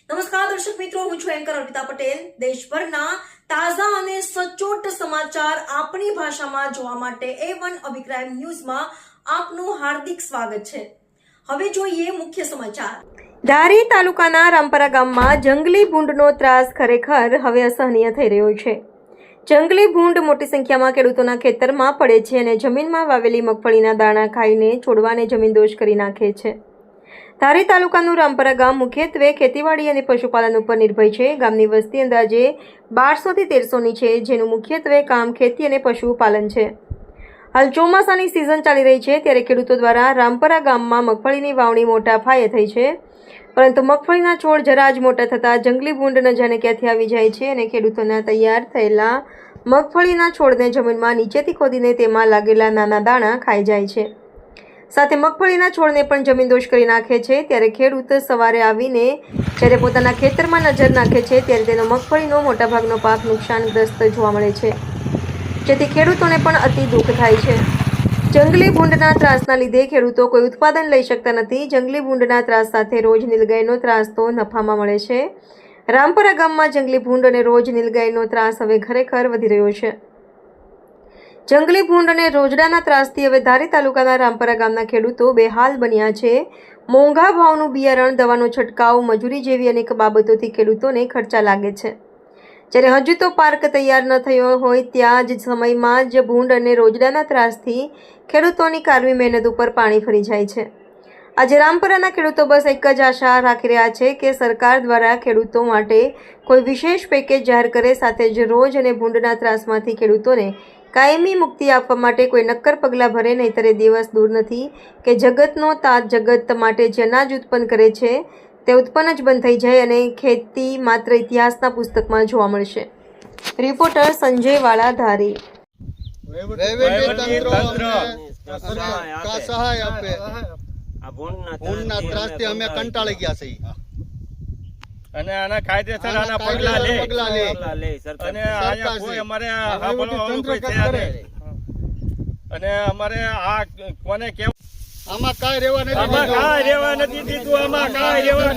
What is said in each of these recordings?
નમસ્કાર દર્શક મિત્રો, હું છું એન્કર અર્પિતા પટેલ। દેશભરના તાજા અને સચોટ સમાચાર આપણી ભાષામાં જોવા માટે A1 અભિપ્રાય ન્યૂઝમાં આપનું હાર્દિક સ્વાગત છે। હવે જોઈએ મુખ્ય સમાચાર। ધારી તાલુકાના રામપરા ગામમાં જંગલી ભૂંડનો ત્રાસ ખરેખર હવે અસહનીય થઈ રહ્યો છે। જંગલી ભૂંડ મોટી સંખ્યામાં ખેડૂતોના ખેતરમાં પડે છે અને જમીનમાં વાવેલી મગફળીના દાણા ખાઈને છોડવાને જમીનદોષ કરી નાખે છે। ધારી તાલુકાનું રામપરા ગામ મુખ્યત્વે ખેતીવાડી અને પશુપાલન ઉપર નિર્ભર છે। ગામની વસ્તી અંદાજે 1200 થી 1300ની છે, જેનું મુખ્યત્વે કામ ખેતી અને પશુપાલન છે। હાલ ચોમાસાની સિઝન ચાલી રહી છે, ત્યારે ખેડૂતો દ્વારા રામપરા ગામમાં મગફળીની વાવણી મોટા પાયે થઈ છે, પરંતુ મગફળીના છોડ જરા જ મોટા થતાં જંગલી ભૂંડ ન જાણે ક્યાંથી આવી જાય છે અને ખેડૂતોના તૈયાર થયેલા મગફળીના છોડને જમીનમાં નીચેથી ખોદીને તેમાં લાગેલા નાના દાણા ખાઈ જાય છે, સાથે મગફળીના છોડને પણ જમીનદોષ કરી નાખે છે। ત્યારે ખેડૂત સવારે આવીને જ્યારે પોતાના ખેતરમાં નજર નાખે છે, ત્યારે તેનો મગફળીનો મોટાભાગનો પાક નુકસાનગ્રસ્ત જોવા મળે છે, જેથી ખેડૂતોને પણ અતિ દુઃખ થાય છે। જંગલી ભૂંડના ત્રાસના લીધે ખેડૂતો કોઈ ઉત્પાદન લઈ શકતા નથી। જંગલી ભૂંડના ત્રાસ સાથે રોજ નીલગાયનો ત્રાસ તો નફામાં મળે છે। રામપરા ગામમાં જંગલી ભૂંડ અને રોજ નીલગાયનો ત્રાસ હવે ખરેખર વધી રહ્યો છે। જંગલી ભૂંડ અને રોજડાના ત્રાસથી હવે ધારી તાલુકાના રામપરા ગામના ખેડૂતો બેહાલ બન્યા છે। મોંઘા ભાવનું બિયારણ, દવાનો છંટકાવ, મજૂરી જેવી અનેક બાબતોથી ખેડૂતોને ખર્ચા લાગે છે, જ્યારે હજુ તો પાર્ક તૈયાર ન થયો હોય ત્યાં જ સમયમાં જ ભૂંડ અને રોજડાના ત્રાસથી ખેડૂતોની કારમી મહેનત ઉપર પાણી ફરી જાય છે। આજે રામપરાના ખેડૂતો બસ એક જ આશા રાખી રહ્યા છે કે સરકાર દ્વારા ખેડૂતો માટે કોઈ વિશેષ પેકેજ જાહેર કરે, સાથે જ રોજ અને ભૂંડના ત્રાસમાંથી ખેડૂતોને કાયમી મુક્તિ આપવા માટે કોઈ નક્કર પગલાં ભરે, નહીંતર એ દિવસ દૂર નથી કે જગતનો તાત જગત માટે જે અનાજ ઉત્પન્ન કરે છે તે ઉત્પન્ન જ બંધ થઈ જાય અને ખેતી માત્ર ઇતિહાસના પુસ્તકમાં જોવા મળશે। રિપોર્ટર સંજય વાળા, ધારી। સહાય આપે આ ભૂંડના ત્રાસથી અમે કંટાળી ગયા છીએ અને આના કાયદેસર આના પગલા લે અને આયા કોઈ અમારે કોઈ છે નહીં અને અમારે આ કોને કેવું આમાં કાંઈ રહેવા નથી આમાં કાંઈ રહેવા નથી દીધું આમાં કાંઈ રહેવા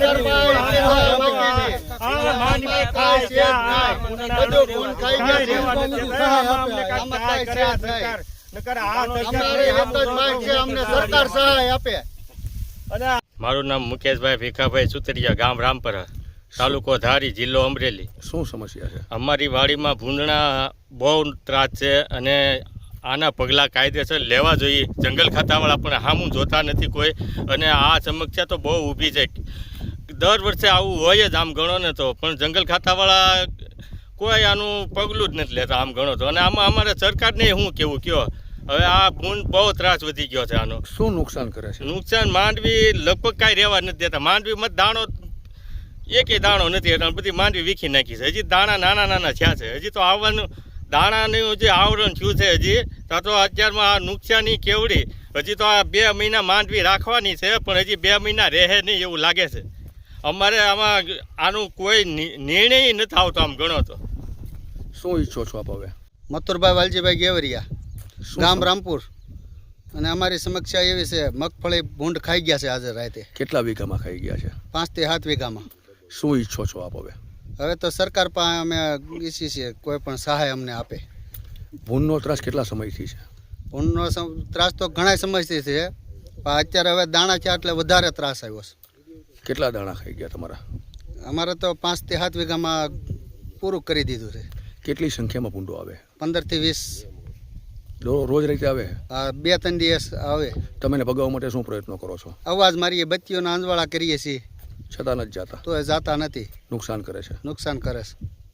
નથી આ માનવી કાંઈ છે બધું ભૂંડ ખાઈ ગયા આમાં કાંઈ કરે સરકાર નકર આ અમારે એક જ માંગ છે, અમને સરકાર સહાય આપે। અને મારું નામ મુકેશભાઈ ભીખાભાઈ સુતરિયા, ગામ રામપરા, તાલુકો ધારી, જિલ્લો અમરેલી। શું સમસ્યા છે? અમારી વાડીમાં ભૂંડના બહુ ત્રાસ છે અને આના પગલાં કાયદેસર લેવા જોઈએ। જંગલ ખાતાવાળા પણ સામું જોતા નથી કોઈ, અને આ સમસ્યા તો બહુ ઊભી છે। દર વર્ષે આવું હોય જ આમ ગણો ને તો, પણ જંગલ ખાતાવાળા કોઈ આનું પગલું જ નથી લેતા આમ ગણો તો। અને આમાં અમારે સરકારને શું કેવું કયો, હવે આ ભૂંડ બહુ ત્રાસ વધી ગયો છે આનો। શું નુકસાન કરે છે? નુકસાન માંડવી લગભગ કાંઈ રહેવા નથી દેતા। માંડવીમાં દાણો એકે દાણો નથી, એટલે બધી માંડવી વીખી નાખી છે। હજી દાણા નાના નાના થયા છે, હજી તો આવવાનું દાણાનું જે આવરણ થયું છે હજી તો અત્યારમાં આ નુકસાની કેવડી। હજી તો આ 2 મહિના માંડવી રાખવાની છે, પણ હજી 2 મહિના રહે નહીં એવું લાગે છે। અમારે આમાં આનું કોઈ નિર્ણય નથી આવતો આમ ગણો તો। શું ઈચ્છો છો આપ હવે? મથુરભાઈ વાલજીભાઈ ગેવરિયા, ગામ રામપુર। અને અમારી સમસ્યા એવી છે, મગફળી ભૂંડ ખાઈ ગયા છે આજે રાતે। કેટલા વીઘામાં ખાઈ ગયા છે? 5 થી 7 વીઘામાં। શું ઈચ્છો છો આપ હવે? હવે તો સરકાર પાસે અમે ઈચ્છીએ છીએ કોઈ પણ સહાય અમને આપે। ભૂંડનો ત્રાસ કેટલા સમયથી છે? ભૂંડનો ત્રાસ તો ઘણા સમયથી છે, પણ અત્યારે હવે દાણા છે એટલે વધારે ત્રાસ આવ્યો છે। કેટલા દાણા ખાઈ ગયા તમારા? અમારે તો 5 થી 7 વીઘામાં પૂરું કરી દીધું છે। કેટલી સંખ્યામાં ભૂંડો આવે? 15 થી 20 રોજ રીતે આવે? 2-3 દિવસ આવે। તમે એને ભગાવવા માટે શું પ્રયત્નો કરો છો? અવાજ મારીએ, બત્તીઓના અંજવાળા કરીએ છીએ, છતાં નથી જાતા? તો એ જાતા નથી, નુકસાન કરે છે? નુકસાન કરે છે।